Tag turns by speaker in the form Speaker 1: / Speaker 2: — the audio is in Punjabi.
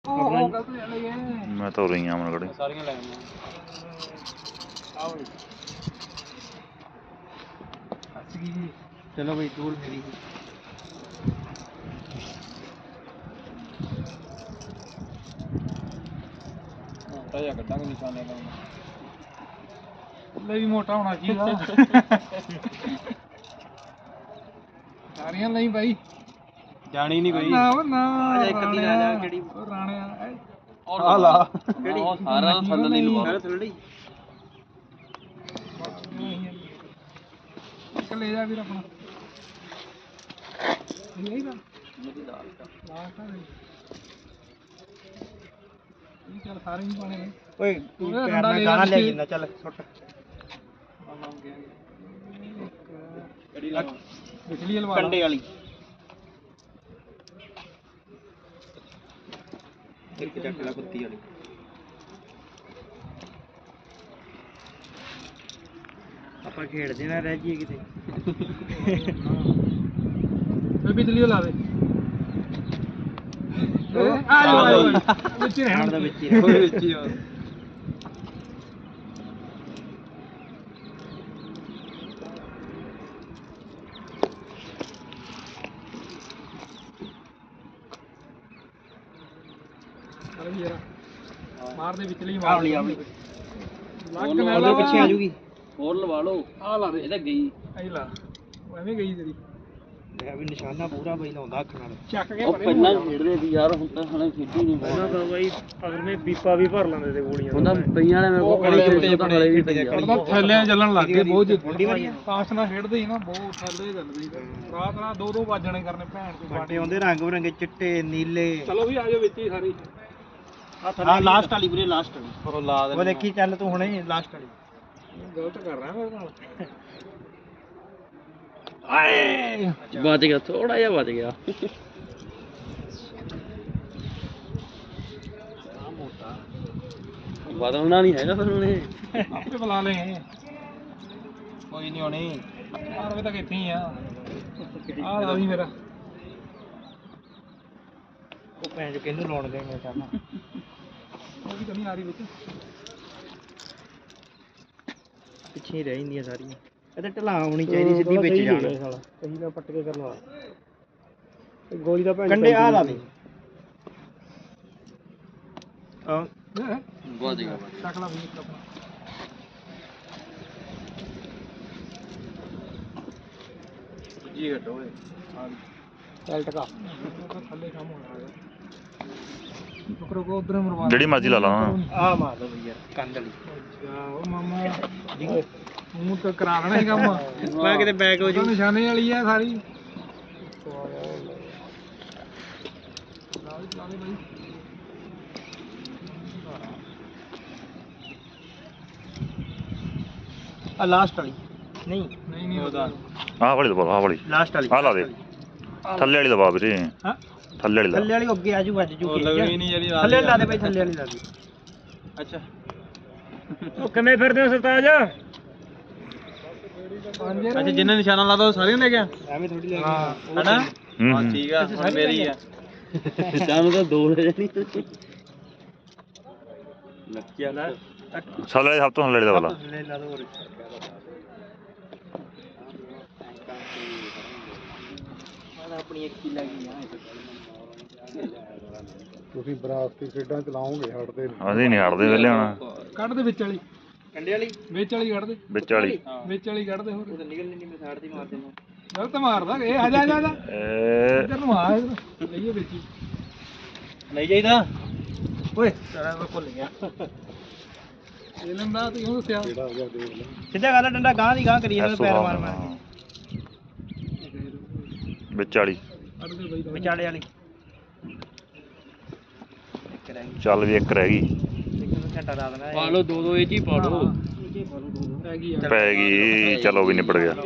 Speaker 1: मैं तो रही हूँ मन
Speaker 2: ਸਾਰੀਆਂ ਲੈ ਆਉਂਦਾ ਆਓ ਜੀ ਚਲੋ ਬਈ ਦੂਰ ਮੇਰੀ ਮੋਟਾ ਜਿਹਾ ਕੱਢਾਂਗੇ ਨਿਸ਼ਾਨੇ ਦਾ ਲੈ ਵੀ ਮੋਟਾ ਹੋਣਾ ਚਾਹੀਦਾ ਸਾਰੀਆਂ ਲਈ ਬਾਈ ਜਾਣੀ ਨਹੀਂ ਕੋਈ ਨਾ ਨਾ ਇੱਕ ਅੱਧੀ ਲਾ ਜਾ ਕਿਹੜੀ ਰਾਣਿਆ ਆ ਲਾ ਕਿਹੜੀ ਸਾਰਾ ਥੱਲੇ ਨਹੀਂ ਲਵਾ ਥੱਲੇ ਇੱਕ ਲੈ ਜਾ ਵੀਰ ਆਪਣਾ ਇਹ ਦਾ ਮੇਰੀ ਦਾਲ ਦਾ ਲਾਸਟ ਆ ਇਹ ਚੱਲ ਸਾਰੇ ਨਹੀਂ ਪਾਣੇ ਨੇ ਓਏ ਤੂੰ ਪੈਰ ਨਾਲ ਗਾਣਾ ਲੈ ਜਿੰਦਾ ਚੱਲ ਸੁੱਟ ਆ ਨਾਮ ਗਿਆ ਕਿਹੜੀ ਲਾ ਬਿਜਲੀ ਲਵਾ ਕੰਡੇ ਵਾਲੀ ਇੱਕ ਚੱਕ ਲਾ ਕੁੱਤੀ ਵਾਲੀ ਆਪਾਂ ਖੇਡਦੇ ਨਾ ਰਹਿ ਜੀਏ ਕਿਤੇ ਫੇ ਬਿਜਲੀ ਲਾ ਦੇ ਆ ਵਿੱਚ ਰਹਿਣ ਦਾ ਵਿੱਚ ਹੀ ਵਿੱਚ ਹੀ ਮਾਰ ਦੇ ਵਿਚਲੀ ਮਾਰ ਲਈ ਆਪਣੀ ਲੱਗ ਨਾਲ ਪਿੱਛੇ ਆ ਜੂਗੀ ਹੋਰ ਲਵਾ ਲਓ ਆ ਲਾ ਦੇ ਇਹਦਾ ਗਈ ਐ ਲਾ ਐਵੇਂ ਗਈ ਤੇਰੀ ਲੈ ਵੀ ਨਿਸ਼ਾਨਾ ਪੂਰਾ ਬਈ ਲਾਉਂਦਾ ਅੱਖ ਨਾਲ ਚੱਕ ਕੇ ਪਹਿਲਾਂ ਖੇਡਦੇ ਸੀ ਯਾਰ ਹੁਣ ਤਾਂ ਹਲੇ ਖੇਡੀ ਨਹੀਂ ਪਹਿਲਾਂ ਤਾਂ ਬਾਈ ਅਗਰ ਮੈਂ ਬੀਪਾ ਵੀ ਭਰ ਲੈਂਦੇ ਤੇ ਗੋਲੀਆਂ ਹੁੰਦਾ ਪਈਆਂ ਨੇ ਮੇਰੇ ਕੋਲ ਖੜੇ ਤਾਂ ਹਲੇ ਵੀ ਪਈਆਂ ਥੱਲੇ ਚੱਲਣ ਲੱਗ ਗਏ ਬਹੁਤ ਫਾਸਟ ਨਾਲ ਖੇਡਦੇ ਸੀ ਨਾ ਬਹੁਤ ਥੱਲੇ ਚੱਲਦੇ ਸੀ ਰਾਤ ਨਾਲ ਦੋ ਦੋ ਵੱਜਣੇ ਕਰਨੇ ਭੈਣ ਦੇ ਬਾਟੇ ਆਉਂਦੇ ਰੰਗ ਬਰੰਗੇ ਚਿੱਟੇ ਨੀਲੇ ਚਲੋ ਵੀ ਆ ਜਾਓ ਵਿੱਚ ਹੀ ਸਾਰੇ ਆ ਲਾਸਟ ਵਾਲੀ ਵੀਰੇ ਲਾਸਟ ਵਾਲੀ ਉਹ ਲਾ ਦੇ ਉਹ ਦੇਖੀ ਚੱਲ ਤੂੰ ਹੁਣੇ ਲਾਸਟ ਵਾਲੀ ਗਲਤ ਕਰ ਰਿਹਾ ਮੇਰੇ ਨਾਲ ਆਏ ਬਚ ਗਿਆ ਥੋੜਾ ਜਿਹਾ ਬਚ ਗਿਆ ਆ ਮੋਟਾ ਬਦਲਣਾ ਨਹੀਂ ਹੈਗਾ ਫਿਰ ਉਹਨੇ ਆਪੇ ਬੁਲਾ ਲੈ ਕੋਈ ਨਹੀਂ ਹੋਣੀ 4 ਵਜੇ ਤੱਕ ਇੱਥੇ ਹੀ ਆ ਲਾ ਵੀ ਮੇਰਾ ਉਹ ਭੈਣ ਚ ਕਿਹਨੂੰ ਲਾਉਣ ਦੇਂਗੇ ਕਰਨਾ ਉਹ ਵੀ ਕਮੀ ਆ ਰਹੀ ਵਿੱਚ ਪਿੱਛੇ ਹੀ ਰਹਿ ਜਾਂਦੀਆਂ ਸਾਰੀਆਂ ਇਹ ਤਾਂ ਢਲਾ ਹੋਣੀ ਚਾਹੀਦੀ ਸਿੱਧੀ ਵਿੱਚ ਜਾਣ ਕਹੀ ਦਾ ਪੱਟ ਕੇ ਕਰਵਾ ਗੋਲੀ ਦਾ ਭੈਣ ਕੰਡੇ ਆ ਲਾ ਦੇ ਆ ਬਹੁਤ ਜਗ੍ਹਾ ਚੱਕ ਲਾ ਵੀ ਆਪਣਾ ਜੀ ਘਟੋ ਓਏ ਚੱਲ ਟਕਾ ਥੱਲੇ ਕੰਮ ਹੋਣਾ ਹੈ ਟੁਕਰੋ ਕੋ ਉਧਰ ਮਰਵਾ
Speaker 1: ਜਿਹੜੀ ਮਰਜ਼ੀ ਲਾ ਲਾ
Speaker 2: ਆ ਮਾਰ ਦੋ ਯਾਰ ਕੰਧ ਵਾਲੀ ਅੱਛਾ ਉਹ ਮਾਮਾ ਮੂੰਹ ਤੇ ਕਰਾ ਲੈਣਾ ਹੀ ਕੰਮ ਮੈਂ ਕਿਤੇ ਬੈਕ ਹੋ ਜੂ ਨਿਸ਼ਾਨੇ ਵਾਲੀ ਆ ਸਾਰੀ ਆ ਲਾਸਟ ਵਾਲੀ ਨਹੀਂ ਨਹੀਂ ਨਹੀਂ ਉਹਦਾ
Speaker 1: ਆਹ ਵਾਲੀ ਦਬਾ ਆਹ ਵਾਲੀ
Speaker 2: ਲਾਸਟ ਵਾਲੀ
Speaker 1: ਆ ਲਾ ਦੇ ਥੱਲੇ ਵਾਲੀ ਦਬਾ ਵੀਰੇ
Speaker 2: ਹਾਂ
Speaker 1: ਥੱਲੇ ਵਾਲੀ
Speaker 2: ਥੱਲੇ ਵਾਲੀ ਅੱਗੇ ਆ ਜੂ ਅੱਜ ਜੂ ਥੱਲੇ ਲਾ ਦੇ ਭਾਈ ਥੱਲੇ ਵਾਲੀ ਲਾ ਦੇ ਅੱਛਾ ਉਹ ਕਿਵੇਂ ਫਿਰਦੇ ਹੋ ਸਰਤਾਜ ਅੱਛਾ ਜਿੰਨੇ ਨਿਸ਼ਾਨਾ ਲਾਦਾ ਉਹ ਸਾਰਿਆਂ ਲੈ ਗਿਆ ਐਵੇਂ ਥੋੜੀ ਲੈ ਗਿਆ ਹੈਨਾ ਹਾਂ ਠੀਕ ਆ ਹੁਣ ਮੇਰੀ ਆ ਸਾਨੂੰ ਤਾਂ ਦੋ ਲੈ ਜਾਣੀ ਲੱਕਿਆ ਨਾ
Speaker 1: ਥੱਲੇ ਵਾਲੀ ਸਭ ਤੋਂ ਥੱਲੇ ਵਾਲੀ ਦਬਾ ਲਾ
Speaker 2: ਥੱਲੇ ਲਾ ਦੋ ਹੋਰ ਆਪਣੀ ਇੱਕ ਹੀ ਲੱਗੀ ਆ ਤੁਸੀਂ ਬਰਾਸਤੀ ਖੇਡਾਂ ਚਲਾਓਗੇ ਹਟਦੇ
Speaker 1: ਅਸੀਂ ਨਹੀਂ ਹਟਦੇ ਵੇਲੇ ਹੁਣ
Speaker 2: ਕੱਢ ਦੇ ਵਿੱਚ ਵਾਲੀ ਕੰਡੇ ਵਾਲੀ ਵਿੱਚ ਵਾਲੀ ਕੱਢ ਦੇ
Speaker 1: ਵਿੱਚ ਵਾਲੀ
Speaker 2: ਕੱਢ ਦੇ ਹੋਰ ਉਹ ਤਾਂ ਨਿਕਲਣੀ ਨਹੀਂ ਮੈਂ ਸਾਈਡ ਤੇ ਮਾਰ ਦੇਣਾ ਗਲਤ ਮਾਰਦਾ ਇਹ ਆ ਜਾ ਇੱਧਰ ਨੂੰ ਆ ਲਈਏ ਵਿੱਚ ਹੀ ਨਹੀਂ ਜਾਈਦਾ ਓਏ ਸਾਰਾ ਮੈਂ ਭੁੱਲ ਗਿਆ ਇਹ ਲੰਦਾ ਤੂੰ ਕਿਉਂ ਦੱਸਿਆ ਸਿੱਧਾ ਗੱਲ ਡੰਡਾ ਗਾਂ ਦੀ ਗਾਂ ਕਰੀ ਜਾਂਦਾ ਪੈਰ ਮਾਰ ਮਾਰ
Speaker 1: ਵਿੱਚ ਵਾਲੀ
Speaker 2: ਵਿਚਾਲੇ ਵਾਲੀ
Speaker 1: ਚੱਲ ਵੀ ਇੱਕ ਰਹਿ ਗਈ
Speaker 2: ਘੰਟਾ ਲਾ ਦੇਣਾ ਪਾ ਲਓ ਦੋ ਦੋ ਇਹ ਚ ਹੀ ਪਾ ਲਓ
Speaker 1: ਪੈ ਗਈ ਚਲੋ ਵੀ ਨਿਬੜ ਗਿਆ